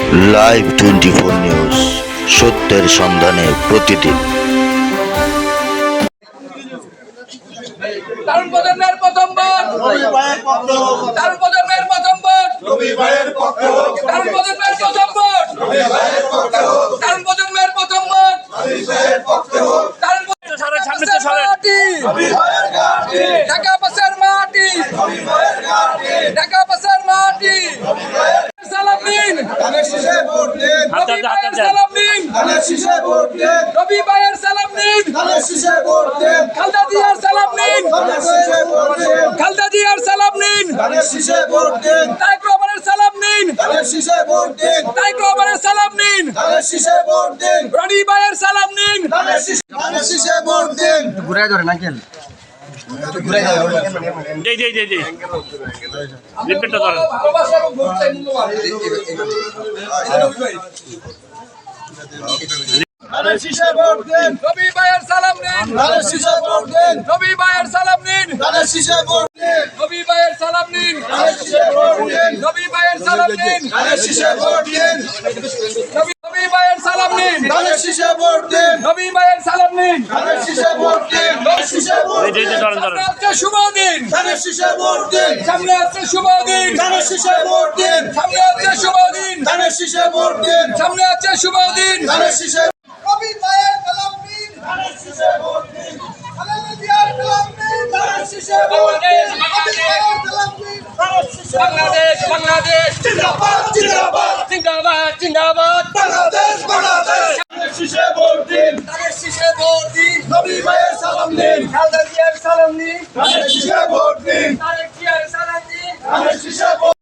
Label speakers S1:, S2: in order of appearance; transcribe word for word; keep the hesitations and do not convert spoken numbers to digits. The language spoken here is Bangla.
S1: লাইভ টোয়েন্টি ফোর নিউজ, সত্যের সন্ধানে প্রতিদিন।
S2: তরুণ প্রজন্মের প্রথম ভোট, তরুণ প্রজন্মের প্রথম ভোট, তরুণ প্রজন্মের প্রথম ভোট, তরুণ প্রজন্মের প্রথম ভোট, তরুণ মাটি, ঢাকা পাশের মাটি, ঢাকা পাশের মাটি, সালাম দিন, রবি ভাইয়ের সালাম দিন, রবি ভাইয়ের সালাম দিন, খালেদা জিয়ার সালাম দিন, খালেদা জিয়ার সালাম দিন, তারেক রহমানের সালাম দিন, তারেক রহমানের সালাম দিন, রনি ভাইয়ের সালাম দিন।
S3: ঘুরাই ধরে নাকেল
S4: জি জি জি জি রিপিটটা ধরেন।
S2: রবি ভাইয়ের সালাম দিন, রবি ভাইয়ের সালাম দিন, রবি ভাইয়ের সালাম দিন, রবি ভাইয়ের সালাম দিন, রবি ভাইয়ের সালাম দিন, রবি ভাইয়ের সালাম দিন।
S4: জি জি ধরেন ধরেন।
S2: সামনে আছে শুভ দিন, সামনে আছে শুভ দিন, সামনে আছে শুভ দিন, সামনে আছে শুভ দিন। রবি ভাইয়ের সালাম দিন, খালেদা জিয়ার সালাম দিন, বাংলাদেশ বাংলাদেশ বাংলাদেশ জিন্দাবাদ জিন্দাবাদ জিন্দাবাদ জিন্দাবাদ বাংলাদেশ বাংলাদেশ। ধানের শীষে ভোট দিন, ধানের শীষে ভোট দিন, রবি ভাইয়ের সালাম দিন, খালেদা জিয়ার সালাম দিন, ধানের শীষে ভোট দিন, তারেক জিয়ার সালাম দিন, ধানের শীষে